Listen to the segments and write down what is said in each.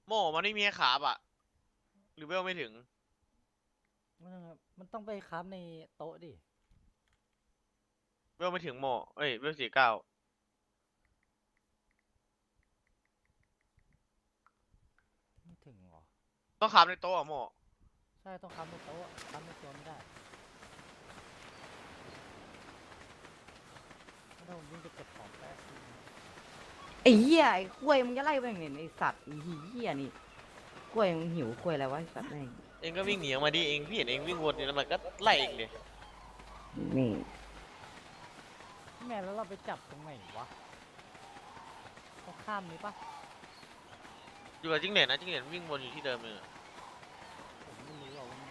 โม่มันไม่มีให้ขาบอ่ะหรือเวลไม่ถึงมันต้องไปคราฟในโต๊ะดิเวลไม่ถึงโม่เอ้ยเวล49 ไม่ถึงหรอต้องขาบในโต๊ะอ่ะโม่ใช่ต้องคราฟในโต๊ะคราฟในตัวไม่ได้ไม่ต้องวิ่งไปเก็บของแป๊บนึงไอ้เหี้ยไอ้กล้วยมึงจะไล่ไปไหนไอ้สัตว์ไอ้เหี้ยนี่กล้วยมึงหิวกล้วยอะไรวะไอ้สัตว์แม่งเองก็วิ่งหนีออกมาดิเองพี่เห็นเองวิ่งวนอยู่แล้วมันก็ไล่เองเลยนี่แม่แล้วเราไปจับตรงไหนวะต้องข้ามนี้ปะอยู่กับจิ้งเหลนนะจิ้งเหลนวิ่งวนอยู่ที่เดิมเลยอะผมไม่รู้ว่ามัน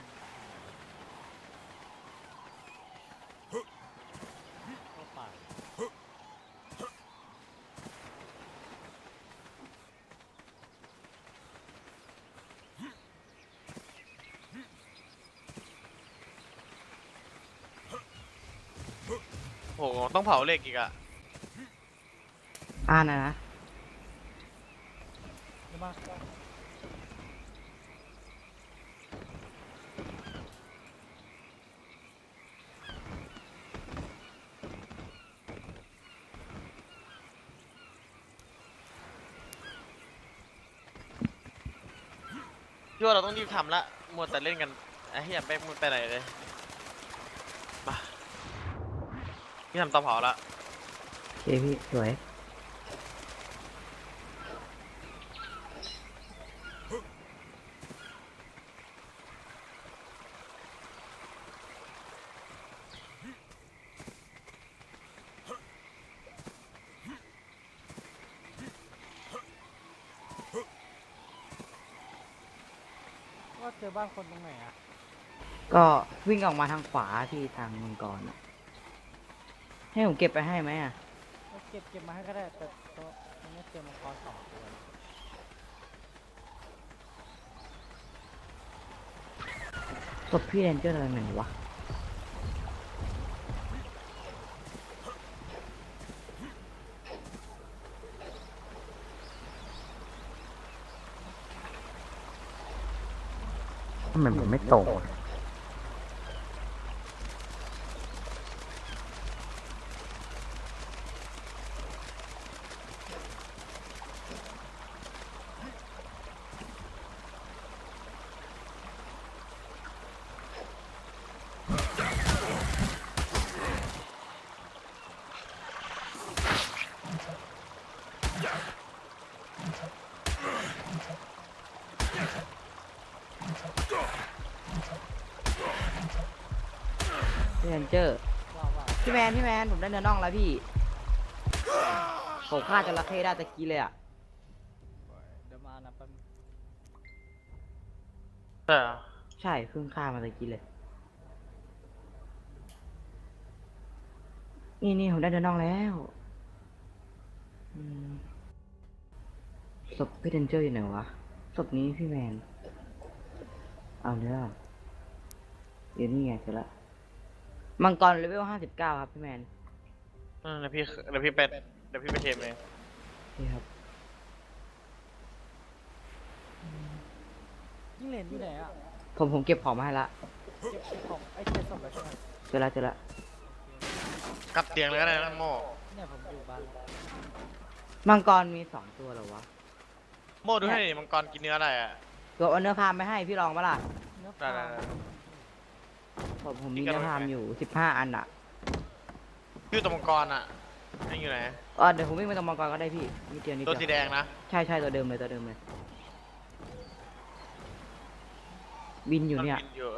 เข้าป่าโหต้องเผาเหล็กอีกอะนะใช่ปะพี่ว่าเราต้องรีบทำละมัวแต่เล่นกันไอ้เหี้ยแป๊กมันไปไหนเลยมาพี่ทำเตาเผาละโอเคพี่สวยว่าเจอบ้านคนตรงไหนอะก็วิ่งออกมาทางขวาที่ทางมังกรอะให้ผมเก็บไปให้ไหมอ่ะก็เก็บมาให้ก็ได้แต่โต๊ะตรงนี้เจอมังกร2 ตัวศพพี่เรนเจอร์อะไรไหนวะทำไมผมไม่ตรงพี่เรนเจอร์ว่าพี่แมนผมได้เนื้อน่องแล้วพี่ผมฆ่าจระเข้ได้ตะกี้เลยอ่ะเดี๋ยวมานะแป๊บนึงใช่เหรอใช่เพิ่งฆ่ามาตะกี้เลยนี่ผมได้เนื้อน่องแล้วอืมศพพี่เรนเจอร์อยู่ไหนวะศพนี้พี่แมนเอาเนื้อเดี๋ยวนี่ไงเสร็จละมังกรเลเวล59ครับพี่แมนเดี๋ยวพี่ไปเทมเองนี่ครับยิ่งเหรียญอยู่ไหนอะผมเก็บของมาให้ละเก็บของไอ้เจ็ดศพแล้วใช่ไหมเจอละกลับเตียงเลยก็ได้นะโม่เนี่ยผมอยู่บ้านแล้วมังกรมี2 ตัวเหรอวะโม่ดูให้ดิมังกรกินเนื้ออะไรอ่ะตัวเอาเนื้อพามไปให้พี่ลองปะล่ะเนื้อได้ปลาผมมีเนื้อพามอยู่15 อันอ่ะพี่ตัวมังกรอ่ะไอ้อยู่ไหนเดี๋ยวผมวิ่งไปตรงมังกรก็ได้พี่นิดเดียวตัวสีแดงนะใช่ตัวเดิมเลยบินอยู่เนี่ยมับิอยู่